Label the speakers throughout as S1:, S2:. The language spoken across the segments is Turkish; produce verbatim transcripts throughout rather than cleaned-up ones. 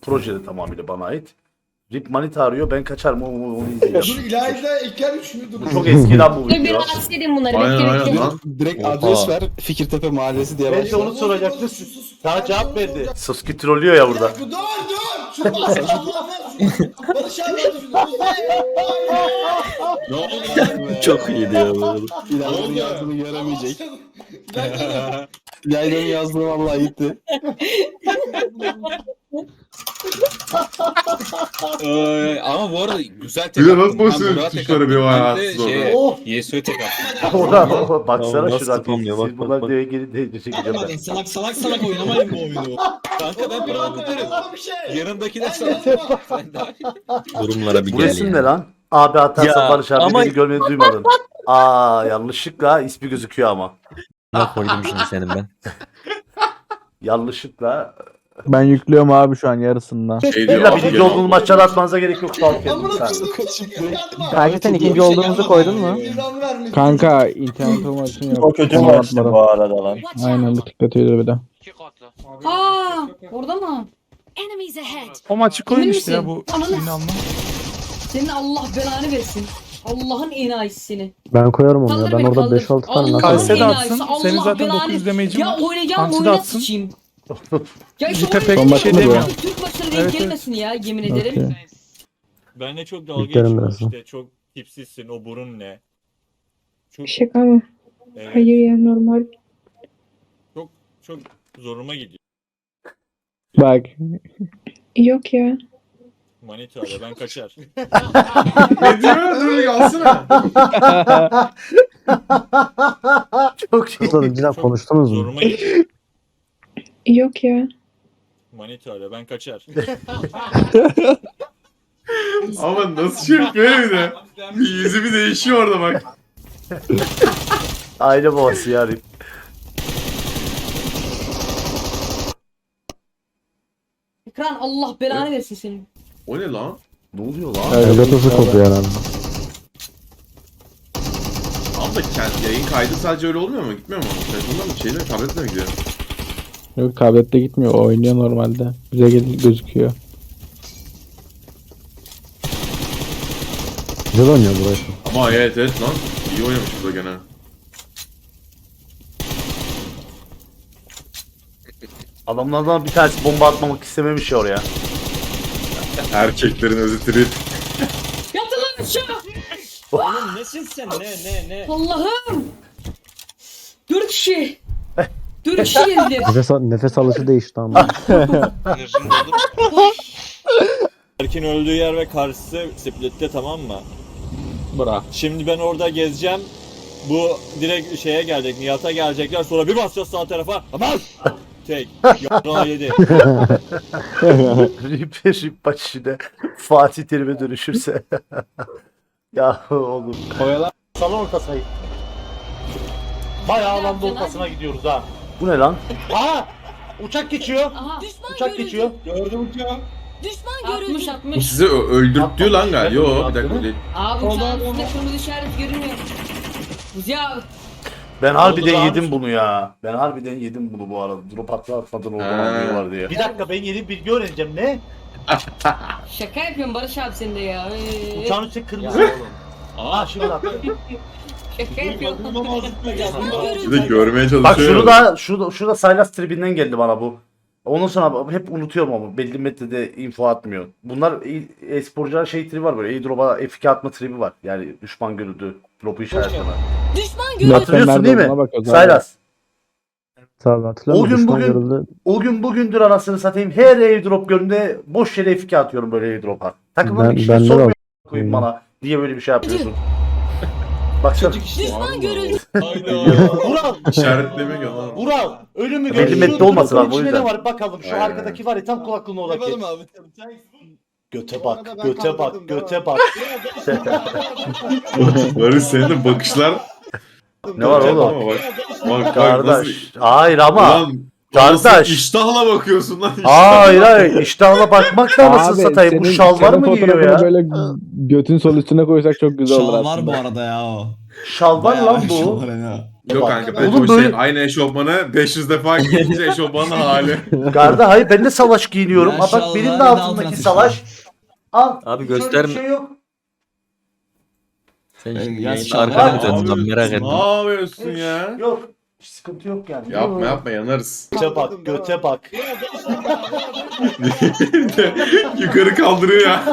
S1: projede tamamıyla bana ait. Rip Manita arıyor, ben kaçarım onu, onu
S2: Dur
S1: izleyeceğim.
S2: İlayda İlker üçünü dur.
S1: Bu çok eskiden bu
S3: Dur bir
S1: video.
S3: rahatsız edin bunları.
S4: Aynen,
S3: Bekle
S4: aynen
S3: bekle.
S4: lan.
S5: Direkt
S4: Oha.
S5: adres ver. Fikirtepe Mahallesi diye
S6: Ben de
S5: başla.
S6: onu soracaktım. Sana cevap verdi.
S1: Suski trollüyor ya burada.
S2: Dur dur dur. Şu bahsede Allah'a Barış abi hadi şunu.
S4: Ne oldu?
S5: Çok iyiydi ya bu arada. İlayda'nın yazdığını göremeyecek. İlayda'nın yazdığı vallahi gitti.
S4: Ee, ama bu arada güzel tek
S7: Bir de
S4: attın.
S7: nasıl basıyor
S4: Ben Burak'a tek
S7: tuşlara bir
S4: attım.
S7: ayağı
S4: Ben de
S7: atsız
S4: şeye,
S6: Oh.
S4: Yesu'ya tek attım.
S1: Orada baksana
S5: Tamam, nasıl
S1: şuradan.
S5: yapamıyor,
S1: Siz
S5: bak, bak,
S1: bunlar
S5: bak.
S1: diye geri de çekeceğim ben.
S8: Salak salak salak oynamayın bu oyunu.
S4: Kanka ben bir an tutarım.
S2: Bir şey.
S4: Yanımdakiler
S2: Ben
S4: sana.
S2: yazmam.
S4: Sen daha
S5: Durumlara bir
S1: Bu
S5: gel
S1: resim
S5: ya.
S1: ne lan? Abi atarsa
S5: Ya,
S1: Barış abi
S5: ama-
S1: beni görmeyi duymadın. Aa yanlışlıkla ismi gözüküyor ama.
S5: Ne koydum şimdi senin ben.
S1: Yanlışlıkla.
S9: Ben yüklüyorum abi şu an yarısından.
S7: Şey diyor,
S1: İlla
S7: abi
S1: birinci
S7: gel.
S1: olduğunuz maçları atmanıza gerek yok. Sağ olun
S2: Amına
S1: kendinize.
S2: koyduğum
S9: Kanka sen ikinci olduğumuzu koydun mu?
S2: İran vermiş.
S9: Kanka internet olmasın yok.
S6: O kötü
S9: Onu
S6: maçtı
S9: atmadım.
S6: bu arada lan.
S9: Aynen bir tık kötüydü bir de.
S3: Aa, orada mı?
S10: Enemies ahead.
S11: O maçı koyun
S3: Emin
S11: işte ya
S3: misin?
S11: bu
S3: Ananı-
S11: inanma.
S3: Senin Allah belanı versin. Allah'ın enayisini.
S9: Ben koyarım onu
S3: Kaldır
S9: ya. Ben
S3: beni,
S9: orada
S3: kaldır.
S9: beş altı tane
S3: Allah'ın
S9: nasıl
S11: Kalse de
S3: enayisi,
S11: atsın.
S3: Allah
S11: Senin zaten
S3: belanı-
S11: dokuz yüz demeyicin
S3: Ya
S11: var.
S3: oynayacağım
S11: Anti de
S3: oyuna
S11: atsın.
S3: sıçayım. Ya işte
S11: Lütfen
S3: oyuna
S11: pek bir şey
S3: sıçayım.
S11: demiyor.
S3: Türk maçları
S11: Evet,
S3: denk
S11: evet.
S3: gelmesin ya yemin ederim.
S9: Okey.
S12: Benle çok dalga
S9: Yüklerim
S12: geçiyor
S9: birazdan.
S12: işte. Çok tipsizsin. O burun ne? Çok,
S10: Şaka mı?
S12: evet,
S10: Hayır ya normal.
S12: çok çok zoruma gidiyor.
S9: Bak.
S10: Yok ya.
S12: Manita ile ben kaçar.
S7: Ne diyor? Dur alsana.
S1: Çok şey.
S12: Çok konuştunuz mu? Zoruma gidiyor.
S10: Yok ya.
S12: Manita ile ben kaçar.
S7: Ama nasıl şey yapıyor bir de. Bir yüzü bir değişiyor orada bak.
S1: Aile babası yani.
S3: Ekran Allah belanı versin senin.
S7: O ne lan?
S1: Ne oluyor lan?
S9: Elgatası kopuyor herhalde.
S7: Abi da kendi yayın kaydı sadece öyle olmuyor mu? Gitmiyor mu? Telefonda mı? Şeyde mi? Tabletle mi gidiyor?
S9: Yok tablette gitmiyor. O oynuyor normalde. Bize gel gözüküyor. Güzel oynuyor burası.
S7: Ama evet evet lan. İyi oynamış bu da gene.
S1: Adamlardan bir tanesi bomba atmamak istememiş ya oraya.
S7: Erkeklerin özü trip.
S3: Yatın lan aşağı.
S6: Oğlum nesin sen? Ne ne ne?
S3: Allah'ım. Dört kişi. Dört kişi geldi.
S9: Nefes, nefes alışı değişti ama.
S6: Erkin öldüğü yer ve karşısı splitte, tamam mı?
S5: Bırak.
S6: Şimdi ben orada gezeceğim. Bu direkt şeye gelecek, Nihat'a gelecekler. Sonra bir basacağız sağ tarafa. Aman! Tek. Yarrağı yedi.
S1: Rip Rip maç içinde Fatih Terim'e dönüşürse. Ya oğlum.
S6: Salon ortasına git. Bayağı alanda ortasına gidiyoruz ha.
S1: Bu ne lan?
S6: Aha! Uçak geçiyor.
S3: Aha.
S6: Uçak geçiyor. Gördüm uçağı.
S10: Düşman
S3: altmış
S10: görüldü.
S7: Bu
S3: altmış.
S7: sizi ö- öldürttü lan galiba. Yo bir dakika o değil.
S3: Abi uçağın üstünde kırmızı işaret görünüyor. Ya
S1: Ben harbiden
S6: lan?
S1: yedim bunu ya. Ben harbiden yedim bunu bu arada. Drop atla atmadan oradan
S7: Ha.
S1: anlıyorlar diye.
S6: Bir dakika, ben yeni bilgi öğreneceğim. Ne?
S3: şaka yapıyorum Barış abi sen de ya. Ee,
S6: Uçağın üstü kırmızı oğlum. Aa şimdi attı.
S3: şaka yapıyorum.
S7: Bir de görmeye çalışıyor.
S1: Bak şunu da şurada şurada Saylas tribinden geldi bana bu. Ondan sonra hep unutuyorum ama belli metrede info atmıyor. Bunlar e- e-sporcular şey tribi var böyle. E-drop'a F iki atma tribi var. Yani düşman görüldü. Drop'u işaretleme.
S10: Düşman görüldü.
S1: Hatırlıyorsun değil mi? Saylas.
S9: Tabii hatırlıyorum.
S1: O gün
S9: Düşman
S1: bugün-
S9: görüldü.
S1: O gün bugündür anasını satayım. Her airdrop göründe boş yere F iki atıyorum böyle airdrop'a. Takımın
S9: Ben-
S1: bir şey
S9: bende de
S1: sormuyor
S9: var.
S1: koyayım bana. Niye böyle bir şey yapıyorsun? Baksana.
S10: Düşman görüldü.
S6: Vural!
S7: İşaretleme gel lan.
S6: Vural! Ölümü
S1: Belli
S6: görüyorsun.
S1: metre olması lazım, o
S6: İçinde
S1: yüzden.
S6: ne var bakalım. Şu
S7: Aynen.
S6: arkadaki var ya, tam kulaklığın oradaki.
S2: abi.
S6: Göte
S2: Bu arada
S6: bak,
S2: ben
S6: göte bak,
S2: kaldırdım,
S6: göte
S2: devam.
S6: bak.
S7: Barış senin de bakışlar.
S1: Ne var
S7: Ama
S1: oğlum?
S7: Bak, bak, bak nasıl...
S1: Kardeş. Hayır ama.
S7: Ulan,
S1: Kardeş.
S7: nasıl iştahla bakıyorsun lan.
S1: Hayır hayır. İştahla bakmak da anasını
S9: Abi,
S1: satayım. Bu
S9: senin-
S1: şalvar
S9: senin
S1: mı giyiyor
S9: fotoğrafını
S1: ya?
S9: böyle götün sol üstüne koysak çok güzel olur
S8: Şal var
S9: aslında.
S8: bu arada ya o.
S1: Şalvar lan bu.
S8: Şal var ya.
S7: Yok
S1: Bak,
S7: kanka bence
S1: oğlum
S7: o şey
S1: böyle-
S7: aynı eşofmanı beş yüz defa giyince eşofmanın hali.
S1: Garda hayır ben de salaş giyiniyorum. Ha bak
S2: Maşallah,
S1: benim
S2: bir
S1: de
S2: de
S1: altındaki
S2: altına
S1: salaş. Al.
S5: Abi
S1: hiç öyle
S5: gösterme.
S1: Bir şey yok.
S5: Sen
S8: Ben
S5: şimdi
S8: yaz
S5: yayında
S8: şarkı-
S5: arkana mı
S7: Ne
S5: döndün lan merak
S7: yapıyorsun?
S5: ettim.
S7: Ne yapıyorsun ya?
S1: Yok. Hiç sıkıntı yok yani.
S7: Yapma yapma yanarız.
S1: Göte bak, göte bak.
S7: Yukarı kaldırıyor ya.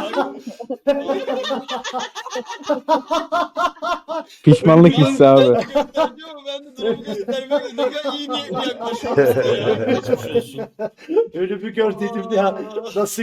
S9: Pişmanlık hissi abi.
S8: Ben de durumu göstermek ne kadar iyi niyetli yaklaşıyorsun ya. Geçmiş olsun.
S1: Öyle bir gördüydüm ya. Nasıl?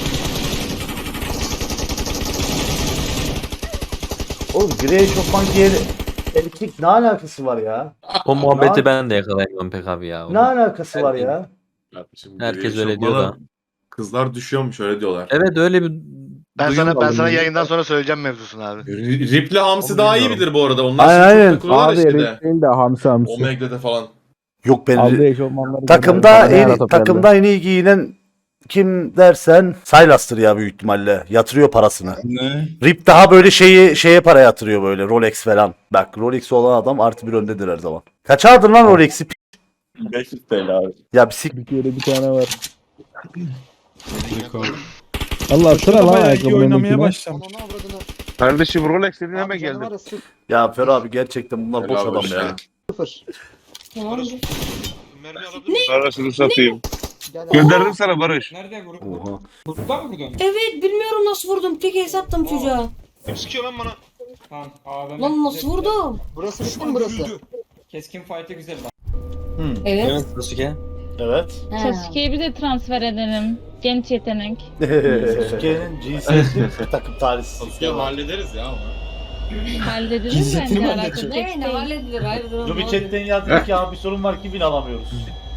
S1: Oğlum gri eşofman giyer erkek ne alakası var ya?
S5: O muhabbeti ben de yakalayamam pek abi ya.
S1: Ne alakası var ya?
S7: Şimdi
S5: Herkes
S7: biri
S5: öyle diyor da.
S7: eşofmana Kızlar düşüyormuş öyle diyorlar.
S5: Evet öyle bir
S11: Ben
S5: duyum
S11: sana ben
S5: aldım
S11: sana
S5: ben.
S11: yayından sonra söyleyeceğim mevzusunu abi.
S7: R- Ripley Hamsi daha iyi
S1: Bilmiyorum.
S7: bilir bu arada. Onlar
S1: Aynen,
S7: şimdi çok
S1: aynen.
S7: takılıyorlar
S9: Abi
S7: işte de.
S9: Erik değil de hamsi hamsi.
S7: Omega'da falan.
S1: Yok ben
S9: Aldığı eşofmanları
S1: takımda
S9: gönder, bana
S1: en
S9: yaratıp geldi.
S1: takımda en iyi giyinen kim dersen Sylas'tır ya büyük ihtimalle. Yatırıyor parasını.
S8: Ne?
S1: Rip daha böyle şeyi şeye para yatırıyor böyle Rolex falan. Bak Rolex olan adam artı bir öndedir her zaman. Kaç aldın lan Rolex'i?
S12: beş yüz T L abi.
S1: Ya bir sik.
S9: Bir kere bir tane var. Allah sıra lan ayakkabılarındakine.
S8: başlamış.
S11: Kardeşim Rolex dediğin hemen geldim.
S1: Ya Fer abi gerçekten bunlar boş
S7: Helal
S1: adam
S7: olsun
S1: ya.
S7: ya.
S3: Tamamdır.
S11: Parasını satayım. Gönderdim sana Barış.
S8: Nerede vurup?
S1: Oha.
S8: Vurdular mı buradan?
S3: Evet bilmiyorum nasıl vurdum. Tek el sattım çocuğa.
S11: Kim sıkıyor lan bana?
S8: Tamam. Aa,
S3: Lan nasıl vurdum?
S2: Burası bitti mi burası?
S8: Keskin fight'e güzel bak.
S3: Evet.
S5: Evet Sasuke.
S1: Evet.
S3: Ha.
S10: Sasuke'yi bir de transfer edelim. Genç yetenek.
S1: Sasuke'nin cinsiyeti bir takım talihsiz.
S7: hallederiz ya ama.
S10: Halledilir
S8: Gizletini
S10: bence
S8: mi
S10: alakalı.
S8: halledecek?
S3: Ne ne halledilir hayırdır.
S1: Ruby chatten yazdı ki abi bir sorun var ki bin alamıyoruz.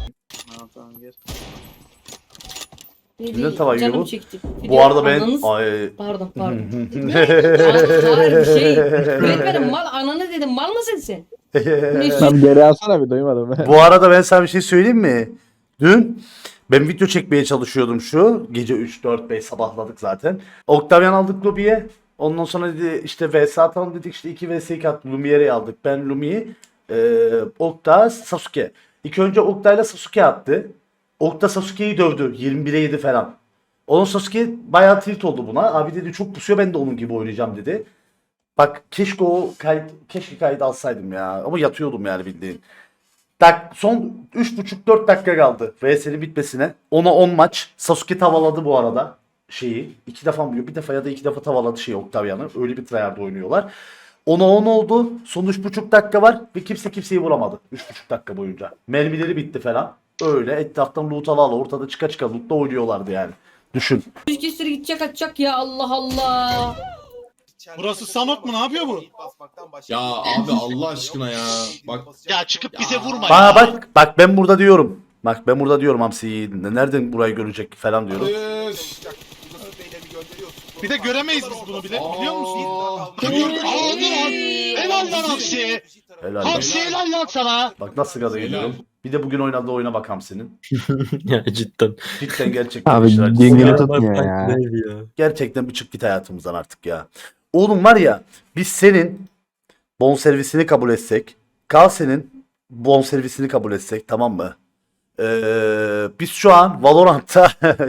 S1: Güzel tava gibi
S3: Canım
S1: bu.
S3: çekti. Bir
S1: Bu
S3: de
S1: arada ben
S3: ananız-
S1: ay
S3: Pardon pardon. Ne? Aa, hayır bir şey. Öğretmenim mal ananı dedim mal mısın sen? Ne şey?
S9: Tam geri alsana bir duymadım.
S1: Bu arada ben sana bir şey söyleyeyim mi? Dün ben video çekmeye çalışıyordum şu. Gece üç dört beş sabahladık zaten. Octavian aldık Lumi'ye. Ondan sonra dedi işte V S atalım dedik işte iki V S iki attık. Lumi'ye aldık. Ben Lumi'yi. Ee, Okta Sasuke. İlk önce Okta ile Sasuke attı. Okta Sasuke'yi dövdü. yirmi bire yedi falan. Onun Sasuke bayağı tilt oldu buna. Abi dedi çok pusuyor ben de onun gibi oynayacağım dedi. Bak keşke o kayıt, keşke kayıt alsaydım ya. Ama yatıyordum yani bildiğin. Dak son üç buçuk dört dakika kaldı V S'nin bitmesine. ona on maç. Sasuke tavaladı bu arada şeyi. iki defa mı? Bir defa ya da iki defa tavaladı şeyi Octavian'ı. Öyle bir tryhard oynuyorlar. ona on oldu. Son üç buçuk dakika var ve kimse kimseyi vuramadı. üç buçuk dakika boyunca. Mermileri bitti falan. Öyle etraftan loot ala ala ortada çıka çıka lootla oynuyorlardı yani. Düşün.
S3: Yüz kestir gidecek atacak ya Allah Allah.
S8: Burası Sanok mu? Ne yapıyor bu?
S7: Ya abi Allah aşkına ya. Bak
S11: Ya çıkıp bize vurma
S1: Bana
S11: ya.
S1: bak bak ben burada diyorum. Bak ben burada diyorum Hamsi'yi. Nereden burayı görecek falan diyorum.
S11: Bir de göremeyiz biz bunu bile biliyor musun? Helal lan Hamsi.
S1: Helal.
S11: Hamsi helal lan sana.
S1: Bak nasıl gaza geliyorum. Bir de bugün oynadığı oyuna bak Hamsi'nin.
S5: Ya cidden.
S1: Cidden gerçekten
S9: Abi
S1: işler acısı
S9: dengeli
S1: ya.
S9: tutmuyor ya.
S1: Gerçekten bir çık git hayatımızdan artık ya. Oğlum var ya biz senin bonservisini kabul etsek. Kalse'nin bonservisini kabul etsek tamam mı? Ee, biz şu an Valorant'ta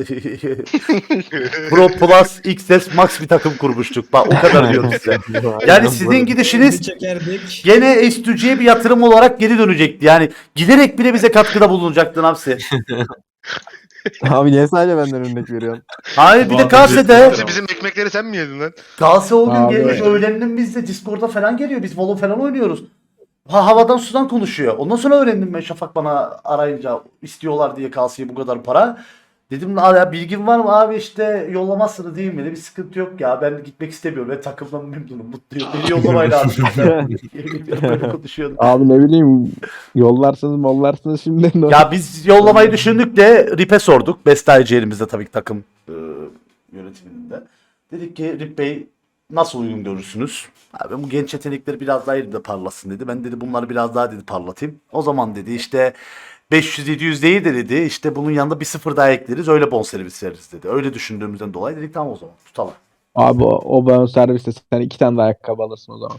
S1: Pro Plus X S Max bir takım kurmuştuk. Bak o kadar diyorum size. Yani sizin gidişiniz
S8: Çekerdik.
S1: gene S iki G'ye bir yatırım olarak geri dönecekti. Yani giderek bile bize katkıda bulunacaktın hapsi.
S9: Abi niye sadece benden örnek veriyorsun?
S1: Hayır bir de
S7: Vallahi
S1: Kalse'de
S11: Hamsi bizim ekmekleri sen mi yedin lan?
S1: Kalse o gün
S9: Abi.
S1: gelmiş öğrendim bizde Discord'da falan geliyor. Biz Valo falan oynuyoruz. Ha, havadan sudan konuşuyor. Ondan sonra öğrendim ben Şafak bana arayınca istiyorlar diye Kalse'ye bu kadar para. Dedim ya bilgin var mı abi işte yollamazsınız değil mi? Bir sıkıntı yok ya ben gitmek istemiyorum. Ben takımdan memnunum mutluyum. Beni yollamayın abi. Yemin ediyorum böyle konuşuyordum.
S9: Abi ne bileyim yollarsınız mollarsınız şimdi.
S1: Ya biz yollamayı düşündük de Rip'e sorduk. Bestaycı elimizde tabii ki takım e, yönetiminde. Dedik ki Rip Bey nasıl uygun görürsünüz? Abi bu genç yetenekleri biraz daha elimde parlasın dedi. Ben dedi bunları biraz daha dedi parlatayım. O zaman dedi işte beş yüz yedi yüz değil de dedi işte bunun yanında bir sıfır daha ekleriz öyle bonservis veririz dedi. Öyle düşündüğümüzden dolayı dedik tamam o zaman tutalım.
S9: Abi o, o ben serviste sen iki tane de ayakkabı alırsın o zaman.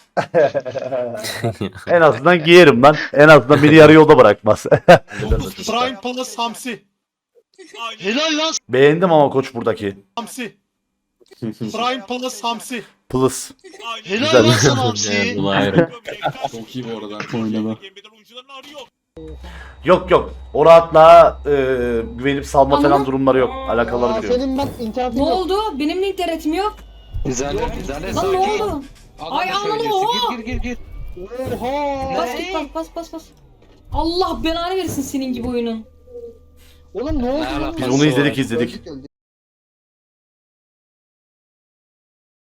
S1: En azından giyerim ben. En azından beni yarı yolda bırakmaz.
S11: Prime Palace Hamsi. Helal lan
S1: Beğendim ama koç buradaki.
S11: Hamsi. Prime Palace Hamsi.
S1: Plus.
S11: Helal
S1: Güzel.
S11: lan sana Hamsi.
S5: Bu ayrı.
S7: Çok iyi bu arada.
S9: Oynadı.
S1: Yok yok. O rahatlığa e, güvenip salma falan
S3: Ama-
S1: durumları yok. Alakaları biliyorum.
S2: Senin bak internetin
S3: Ne
S2: yok.
S3: oldu? Benim de internetim yok.
S4: Güzel güzel.
S3: Lan ne oldu? Ay ananı oha.
S4: Gir gir gir.
S2: Oha.
S3: Bas git bas bas bas bas. Allah belanı versin senin gibi oyunun.
S2: Oğlum ne oldu?
S4: Ne
S2: lan?
S4: alakası
S1: Biz onu izledik izledik.